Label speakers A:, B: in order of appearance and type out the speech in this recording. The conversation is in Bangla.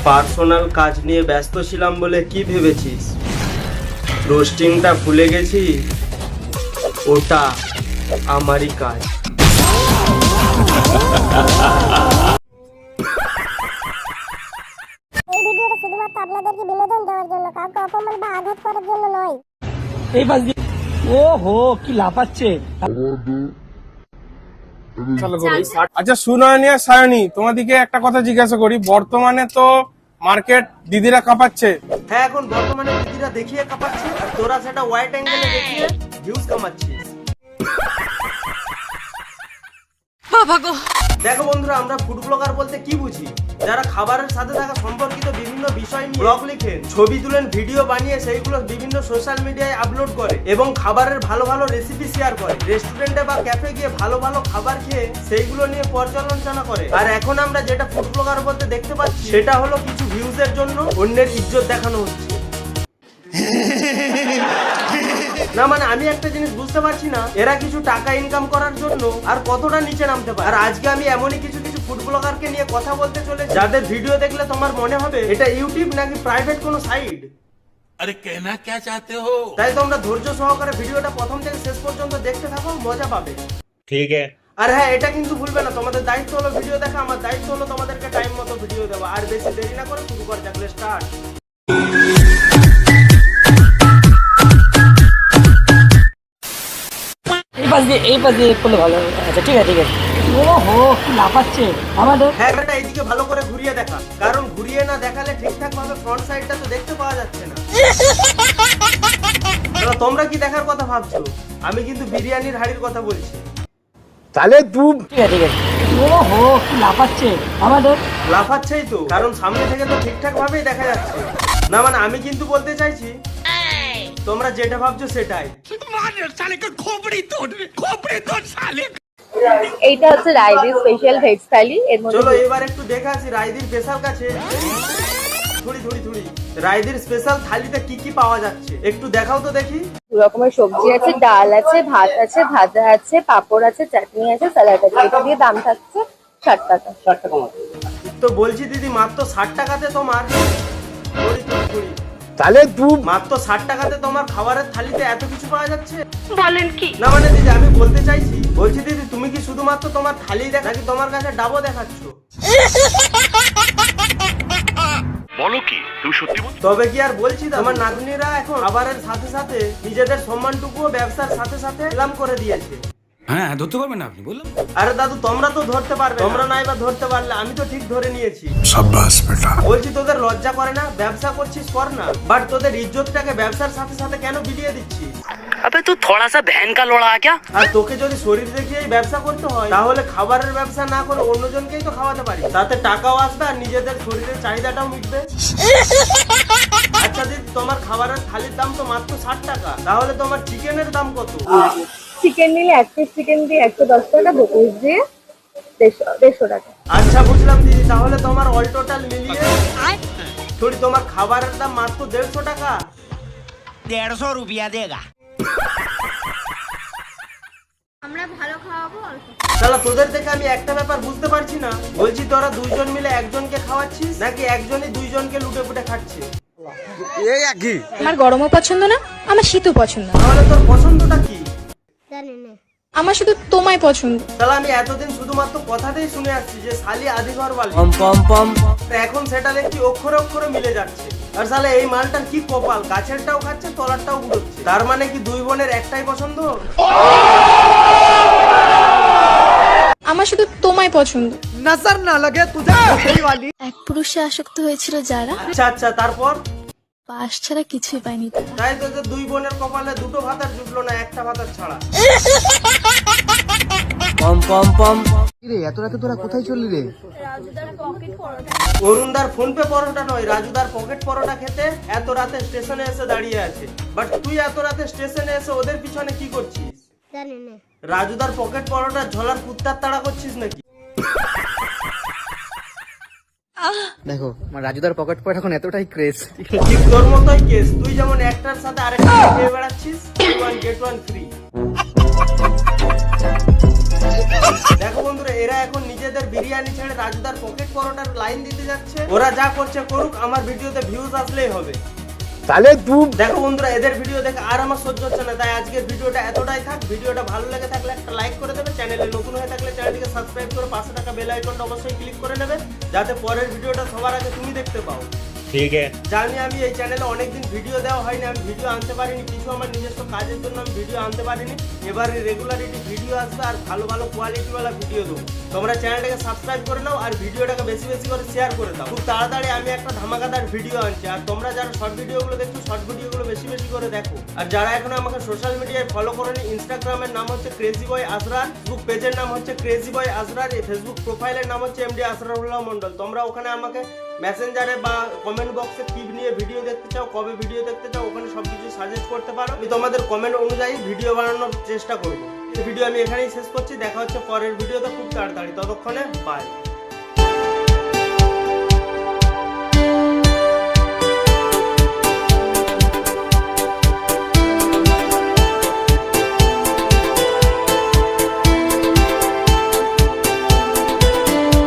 A: পার্সোনাল কাজ নিয়ে ব্যস্ত ছিলাম বলে কি ভেবেছিস রোস্টিংটা ভুলে গেছি? ওটা আমারই কাজ।
B: এই ভিডিওটা শুধুমাত্র আপনাদেরকে বিনোদন দেওয়ার জন্য, কাউকে অপমান বা আঘাত করার জন্য নয়।
C: এই পাশ দিয়ে ওহো কি লাফাচ্ছে।
D: আচ্ছা সুনয়নী আর সায়নী, তোমাদিকে একটা কথা জিজ্ঞাসা করি, বর্তমানে তো মার্কেট দিদিরা কাঁপাচ্ছে।
A: হ্যাঁ, এখন বর্তমানে দিদিরা দেখিয়ে কাঁপাচ্ছে আর তোরা সেটা ওয়াইড অ্যাঙ্গেলে দেখিয়ে ভিউজ কামাচ্ছিস। দেখো বন্ধুরা, আমরা ফুড ব্লগার বলতে কি বুঝি? যারা খাবারের সাথে থাকা সম্পর্কিত বিভিন্ন বিষয় নিয়ে ব্লগ লিখেন, ছবি তুলেন, ভিডিও বানিয়ে সেইগুলো বিভিন্ন সোশ্যাল মিডিয়ায় আপলোড করে এবং খাবারের ভালো ভালো রেসিপি শেয়ার করে। রেস্টুরেন্টে বা ক্যাফে গিয়ে ভালো ভালো খাবার খেয়ে সেইগুলো নিয়ে পর্যালোচনা করে। আর এখন আমরা যেটা ফুড ব্লগার বলতে দেখতে পাচ্ছি সেটা হলো কিছু ভিউজের জন্য অন্যের ইজ্জত দেখানো হচ্ছে। না মানে আমি একটা জিনিস বুঝতে পারছি না, এরা কিছু টাকা ইনকাম করার জন্য আর কতটা নিচে নামতে পারে। আর আজকে আমি এমনই কিছু ফুড ব্লগারকে নিয়ে কথা বলতে চলে, যাদের ভিডিও দেখলে তোমার মনে হবে এটা ইউটিউব নাকি প্রাইভেট কোনো সাইট।
E: আরে कहना क्या चाहते हो?
A: তাই তোমরা ধৈর্য সহকারে ভিডিওটা প্রথম থেকে শেষ পর্যন্ত দেখতে থাকো, মজা পাবে।
E: ठीक है।
A: আর হ্যাঁ, এটা কিন্তু ভুলবে না, তোমাদের দায়িত্ব হলো ভিডিও দেখা, আমার দায়িত্ব হলো তোমাদেরকে টাইম মতো ভিডিও দেওয়া। আর বেশি দেরি না করে শুরু করা যাক, স্টার্ট।
C: এই পাশ দিয়ে করলে ভালো হবে। আচ্ছা ঠিক আছে ঠিক আছে। ওহো কি লাফাচ্ছে আমাদের।
A: হ্যাঁ, এটা এইদিকে ভালো করে ঘুরিয়ে দেখা, কারণ ঘুরিয়ে না দেখালে ঠিকঠাক ভাবে ফ্রন্ট সাইডটা তো দেখতে পাওয়া যাচ্ছে না। তোমরা কি দেখার কথা ভাবছো? আমি কিন্তু বিরিয়ানির হাড়ির কথা বলছি।
C: তাহলে তুই ঠিক আছে ঠিক আছে। ওহো কি লাফাচ্ছে আমাদের।
A: লাফাচ্ছেই তো, কারণ সামনে থেকে তো ঠিকঠাক ভাবেই দেখা যাচ্ছে না। মানে আমি কিন্তু বলতে চাইছি তোমরা যেটা ভাবছো সেটাই।
F: এইটা হচ্ছে রায়দির স্পেশাল ভেজ থালি। এর মধ্যে
A: চলো এবার একটু দেখে আসি রায়দির স্পেশাল কাছে। থুড়ি রায়দির স্পেশাল থালিতে কি কি পাওয়া যাচ্ছে একটু দেখাও তো দেখি।
F: দু রকমের সবজি আছে, ডাল আছে, ভাত আছে, ভাজা আছে, পাঁপড় আছে, চাটনি আছে, স্যালাড আছে। এটা দিয়ে দাম থাকছে 60 টাকা। 60 টাকা
A: তো বলছি দিদি, মাত্র 60 টাকাতে তোমার থুড়ি
C: তাহলে তুই
A: মাত্র 60 টাকাতে তোমার খাবারের থালিতে এত কিছু পাওয়া যাচ্ছে? বলেন কি? না মানে দিদি আমি বলতে চাইছি, বলছি দিদি তুমি কি শুধুমাত্র তোমার থালি দেখা নাকি তোমার কাছে ডাবো দেখাচ্ছ?
E: বলো কি তুমি সত্যি বল?
A: তবে কি আর বলছি, আমার নাতনিরা এখন খাবারের সাথে সাথে নিজেদের সম্মানটুকুও ব্যবসার সাথে সাথে নিলাম করে দিয়েছে।
E: হ্যাঁ ধরতে পারবেন না আপনি বললাম।
A: আরে দাদু তোমরা তো ধরতে পারবে, তোমরা নাই বা ধরতে পারলে আমি তো ঠিক ধরে নিয়েছি।
D: সাব্বাস বেটা।
A: বলছি তোদের লজ্জা করে না? ব্যবসা করছিস কর না, বাট তোদের ইজ্জতটাকে ব্যবসার সাথে সাথে কেন বিলিয়ে দিচ্ছিস?
C: আবে তুই থোড়া সা বহন কা লোড়া क्या।
A: আর তোকে যদি শরীর দেখিয়েই ব্যবসা করতে হয় তাহলে খাবারের ব্যবসা না করে অন্যজনকেই তো খাওয়াতে পারি, তাতে টাকাও আসবে আর নিজেদের শরীরের চাহিদাটাও মিটবে। আচ্ছা দিদি, তোমার খাবারের থালির দাম তো মাত্র 60 টাকা, তাহলে তোমার চিকেনের দাম কত?
F: চিকেন নিলে 1 পিস চিকেন দিয়ে 110 টাকা, 2 পিস দিয়ে 150 টাকা।
A: আচ্ছা বুঝলাম দিদি, তাহলে তোমার অল টোটাল মিলিয়ে থোড়ি তোমার খাবারের দাম মাত্র 150 টাকা।
C: 150 रुपया देगा।
B: আমরা ভালো খাওয়াবো অল্প।
A: তাহলে তোদের থেকে আমি একটা ব্যাপার বুঝতে পারছি না, বলছি তোরা দুইজন মিলে একজনকে খাওয়াচ্ছিস নাকি একজনই দুইজনকে লুটে পুটে খাচ্ছে?
G: আমার গরমও পছন্দ না, আমার শীতও পছন্দ না,
A: তাহলে তোর পছন্দটা কি?
B: জানি না।
G: আমার শুধু তোমায় পছন্দ।
A: তাহলে আমি এতদিন শুধুমাত্র কথাতেই শুনে আসছি যে শালি আদি ঘর বালি, এখন সেটা দেখছি অক্ষরে অক্ষরে মিলে যাচ্ছে। আর শালে এই মালটার কি কপাল, গাছেরটাও খাচ্ছে তলারটাও উড়োচ্ছে। তার মানে কি দুই বোনের একটাই পছন্দ?
G: আমার শুধু তোমায় পছন্দ।
C: नजर ना लगे तुझे कोई वाली।
G: এক পুরুষে আসক্ত হয়েছিল যারা,
A: আচ্ছা তারপর?
G: পাশ ছাড়া কিছুই পায়নি তারা।
A: তাই তো যে দুই বোনের কপালে দুটো ভাতার জুটলো না, একটা ভাতার ছাড়া।
C: রে এত রাতে তোরা কোথায় চললি রে?
A: অরুণদার ফোন পে পরোটা নয়, রাজুদার পকেট পরোটা খেতে এত রাতে স্টেশনে এসে দাঁড়িয়ে আছে। বাট তুই এত রাতে স্টেশনে এসে ওদের পিছনে কি করছিস?
B: জানি না।
A: রাজুদার পকেট পরোটা ঝোলার কুত্তার তাড়া করছিস নাকি?
C: দেখো আমার রাজুদার পকেট পড়ে এখন এতটাই ক্রেজ।
A: ঠিক তোর মতোই কেস, তুই যেমন একটার সাথে আরেকটা খেয়ে বেড়াচ্ছিস, গেট ওয়ান ফ্রি। দেখো বন্ধুরা, এরা এখন নিজেদের বিরিয়ানি ছেড়ে রাজুদার পকেট পরোটার লাইন দিতে যাচ্ছে। ওরা যা করছে করুক, আমার ভিডিওতে ভিউজ আসলেই হবে। দেখো বন্ধুরা, এদের ভিডিও দেখে আর আমার সহ্য হচ্ছে না, তাই আজকের ভিডিওটা এতটাই থাক। ভিডিওটা ভালো লেগে থাকলে একটা লাইক করে দেবে, চ্যানেলে নতুন হয়ে থাকলে চ্যানেলটিকে সাবস্ক্রাইব করে পাশে থাকা বেল আইকনটা অবশ্যই ক্লিক করে নেবে, যাতে পরের ভিডিওটা সবার আগে তুমি দেখতে পাও।
E: ठीक है।
A: জানি আমি এই চ্যানেলে অনেকদিন ভিডিও দেওয়া হয়নি, আমি ভিডিও আনতে পারিনি, কিছু আমার নিজস্ব কাজের জন্য আমি ভিডিও আনতে পারিনি। এবারে রেগুলারিটি ভিডিও আসবে আর ভালো ভালো কোয়ালিটিওয়ালা ভিডিও দেবো। তোমরা চ্যানেলটাকে সাবস্ক্রাইব করে নাও আর ভিডিওটাকে বেশি বেশি করে শেয়ার করে দাও। খুব তাড়াতাড়ি আমি একটা ধামাকাদার ভিডিও আনছি। আর তোমরা যারা শর্ট ভিডিওগুলো দেখছো, শর্ট ভিডিওগুলো বেশি বেশি করে দেখো। আর যারা এখনো আমাকে সোশ্যাল মিডিয়ায় ফলো করেনি, ইনস্টাগ্রামের নাম হচ্ছে ক্রেজি বয় আসরার, ফেসবুক পেজের নাম হচ্ছে ক্রেজি বয় আসরার, এই ফেসবুক প্রোফাইলের নাম হচ্ছে এমডি আসরারুল্লাহ মন্ডল। তোমরা ওখানে আমাকে মেসেঞ্জারে বা কমেন্ট বক্সে কি নিয়ে ভিডিও দেখতে চাও, কবে ভিডিও দেখতে চাও, ওখানে সবকিছু সাজেস্ট করতে পারো। আমি তোমাদের কমেন্ট অনুযায়ী ভিডিও বানানোর চেষ্টা করবো। এই ভিডিও আমি এখানেই শেষ করছি। দেখা হচ্ছে পরের ভিডিওতে খুব তাড়াতাড়ি। ততক্ষণে বাই।